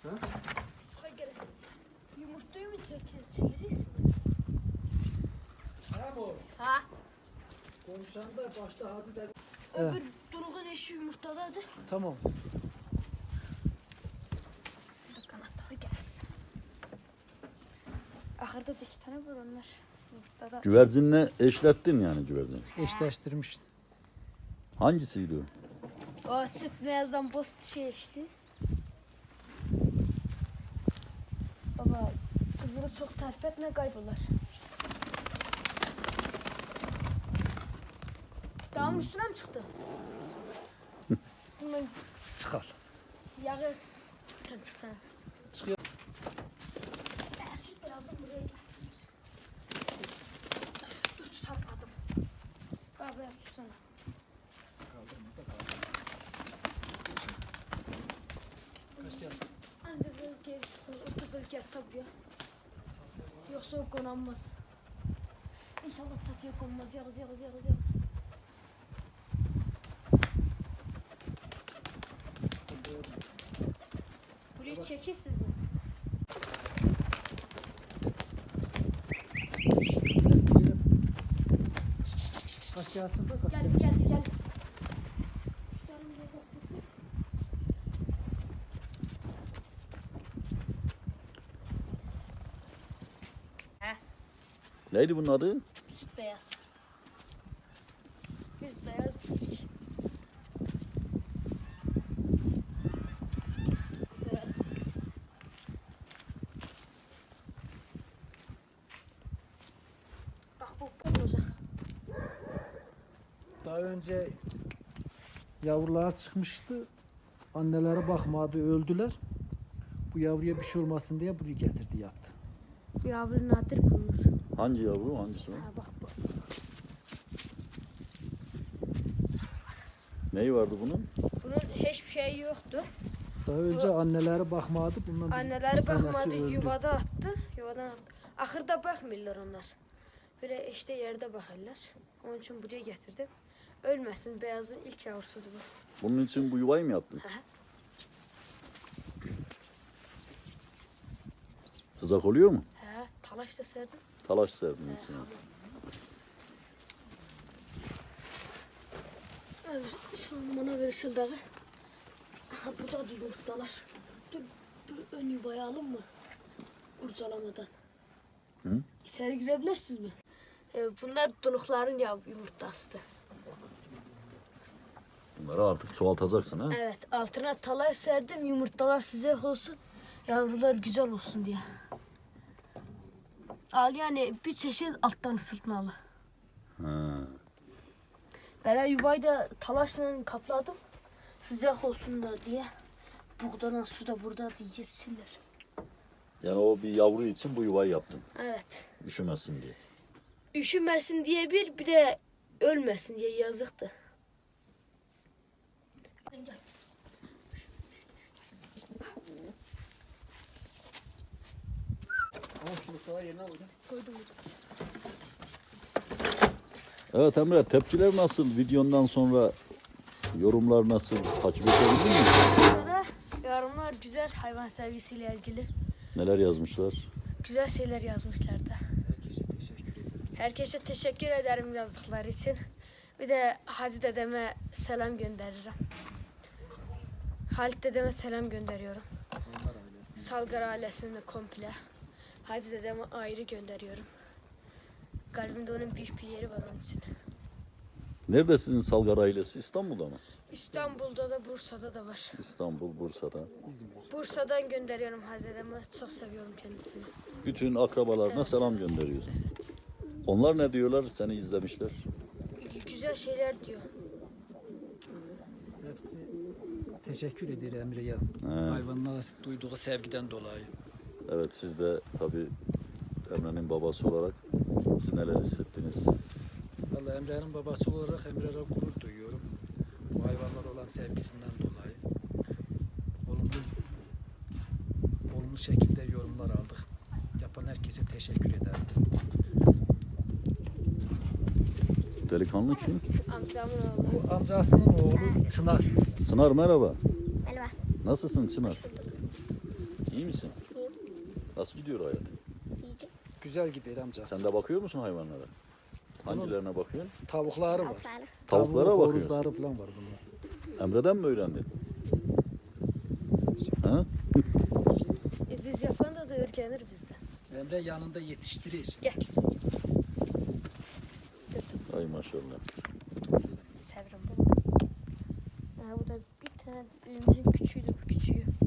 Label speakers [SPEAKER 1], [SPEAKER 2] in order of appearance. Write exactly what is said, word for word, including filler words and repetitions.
[SPEAKER 1] Ha?
[SPEAKER 2] Yumurtayı mı çekeceğiz? Çekeceksin.
[SPEAKER 1] Ha bu.
[SPEAKER 2] Ha?
[SPEAKER 1] Konuşan da başta Hacı dedi.
[SPEAKER 2] Öbür Durgun eşi yumurtadadı.
[SPEAKER 1] Tamam.
[SPEAKER 2] Burada kanatları gelsin. Ahırda da iki tane var onlar. Yumurtada.
[SPEAKER 3] Güvercinle eşlettin yani güvercini.
[SPEAKER 1] Eşleştirmişti.
[SPEAKER 3] Hangisiydi o?
[SPEAKER 2] O süt beyazdan boz şey içti. Baba kızını çok tarif etme kaybolur. Dağın üstüne mi çıktı? Hemen
[SPEAKER 1] Çıkar.
[SPEAKER 2] yağı sen çıksana.
[SPEAKER 1] Çıkıyor.
[SPEAKER 2] Ben süt beyazdan buraya gelsin. Dur tutamadım. Baba beyaz tutsana.
[SPEAKER 1] Kaç gelsin?
[SPEAKER 2] Ancak biraz geri tutsun. O kızıl gelse buraya. Yoksa o konanmaz. İnşallah çatıya konmaz. Yağız yağız yağız yağız. Burayı çekirsiniz mi?
[SPEAKER 1] Kaç gelsin de kaç
[SPEAKER 2] Gel
[SPEAKER 1] gelsin.
[SPEAKER 2] gel gel. Şuranın burada sesi.
[SPEAKER 3] Neydi bunun adı?
[SPEAKER 2] Süt beyaz. Biz beyaz dedik. Güzel. Bak bu bu olacak.
[SPEAKER 1] Daha önce yavrular çıkmıştı. Anneleri bakmadı, öldüler. Bu yavruya bir şey olmasın diye buraya getirdi, yaptı.
[SPEAKER 2] Bu yavru nadir bulunur.
[SPEAKER 3] Hangi yavru? Hangisi o?
[SPEAKER 2] Ha bak bu.
[SPEAKER 3] Neyi vardı bunun?
[SPEAKER 2] Bunun hiçbir şeyi yoktu.
[SPEAKER 1] Daha önce anneleri bakmadı. Bundan bir-
[SPEAKER 2] Anneleri
[SPEAKER 1] iki tanesi
[SPEAKER 2] bakmadı,
[SPEAKER 1] öldü.
[SPEAKER 2] yuvada attı. Yuvadan attı. Ahırda bakmıyorlar onlar. Böyle işte yerde bakarlar. Onun için buraya getirdim. Ölmesin, beyazın ilk yavrusudur bu.
[SPEAKER 3] Bunun için bu yuvayı mı yaptın?
[SPEAKER 2] Hı hı.
[SPEAKER 3] Sıcak oluyor mu?
[SPEAKER 2] He, talaş da serdim.
[SPEAKER 3] Talaş serdin
[SPEAKER 2] He,
[SPEAKER 3] içine.
[SPEAKER 2] hamur. Evet, sen bana ver ışıldağı. Aha burada da yumurtalar. Dur, dur ön yuvayı alın mı? Kurcalamadan.
[SPEAKER 3] Hı?
[SPEAKER 2] İçeri girebilirsiniz mi? Ee, bunlar donukların yav yumurtasıdır.
[SPEAKER 3] Bunları artık çoğaltacaksın ha?
[SPEAKER 2] Evet, altına talaş serdim yumurtalar sıcak olsun, yavrular güzel olsun diye. Al yani bir çeşit alttan ısıtmalı.
[SPEAKER 3] Ha.
[SPEAKER 2] Ben yuvayı da talaşla kapladım. Sıcak olsun da diye. Buğdadan su da burada diye yetişirler.
[SPEAKER 3] Yani o bir yavru için bu yuvayı yaptın.
[SPEAKER 2] Evet.
[SPEAKER 3] Üşümesin diye.
[SPEAKER 2] Üşümesin diye bir, bir de ölmesin diye yazıktı.
[SPEAKER 1] Ama çocuklara yerine alacağım.
[SPEAKER 2] Koydum.
[SPEAKER 3] Evet Emre, tepkiler nasıl? Videondan sonra yorumlar nasıl? Takip edebildin mi?
[SPEAKER 2] Sonra yorumlar güzel, hayvan sevgisiyle ilgili.
[SPEAKER 3] Neler yazmışlar?
[SPEAKER 2] Güzel şeyler yazmışlar da.
[SPEAKER 1] Herkese teşekkür ederim.
[SPEAKER 2] Herkese teşekkür ederim yazdıkları için. Bir de Hacı dedeme selam gönderirim. Halit dedeme selam gönderiyorum.
[SPEAKER 1] Sallar ailesi.
[SPEAKER 2] Salgar ailesine komple. Hacı dedeme ayrı gönderiyorum. Kalbimde onun büyük bir yeri var onun için.
[SPEAKER 3] Nerede sizin Salgar ailesi? İstanbul'da mı?
[SPEAKER 2] İstanbul'da da Bursa'da da var.
[SPEAKER 3] İstanbul, Bursa'da.
[SPEAKER 1] İzmir.
[SPEAKER 2] Bursa'dan gönderiyorum Hacı dedeme. Çok seviyorum kendisini.
[SPEAKER 3] Bütün akrabalarına
[SPEAKER 2] Evet,
[SPEAKER 3] selam
[SPEAKER 2] evet.
[SPEAKER 3] gönderiyorsun.
[SPEAKER 2] Evet.
[SPEAKER 3] Onlar ne diyorlar? Seni izlemişler.
[SPEAKER 2] Güzel şeyler diyor.
[SPEAKER 1] Hepsi teşekkür eder Emre'ye.
[SPEAKER 3] He.
[SPEAKER 1] Hayvanlara duyduğu sevgiden dolayı.
[SPEAKER 3] Evet, siz de tabii Emre'nin babası olarak siz neler hissettiniz?
[SPEAKER 1] Vallahi Emre'nin babası olarak Emre'ye gurur duyuyorum. Bu hayvanlara olan sevgisinden dolayı. Olumlu, olumlu şekilde yorumlar aldık. Yapan herkese teşekkür ederim.
[SPEAKER 3] Delikanlı kim?
[SPEAKER 2] Amcamın oğlu.
[SPEAKER 1] Bu amcasının oğlu Çınar.
[SPEAKER 3] Çınar merhaba.
[SPEAKER 2] Merhaba.
[SPEAKER 3] Nasılsın Çınar? İyi misin?
[SPEAKER 4] İyiyim.
[SPEAKER 3] Nasıl gidiyor hayat?
[SPEAKER 4] İyice.
[SPEAKER 1] Güzel gider amcası.
[SPEAKER 3] Sen de bakıyor musun hayvanlara? Hangilerine bakıyorsun?
[SPEAKER 1] Tavukları var.
[SPEAKER 4] Tavukları.
[SPEAKER 3] Tavuklara
[SPEAKER 1] Tavuğu,
[SPEAKER 3] bakıyorsun.
[SPEAKER 1] horozları falan var bunlar.
[SPEAKER 3] Emre'den mi öğrendin? Ha?
[SPEAKER 2] E, biz yapan da da öğrenir bizden.
[SPEAKER 1] Emre yanında yetiştirir.
[SPEAKER 2] Gel.
[SPEAKER 3] Ay maşallah.
[SPEAKER 2] Sevrim bu. Ha, bu da bir tane büyüğümüzün küçüğüydü bu küçüğü.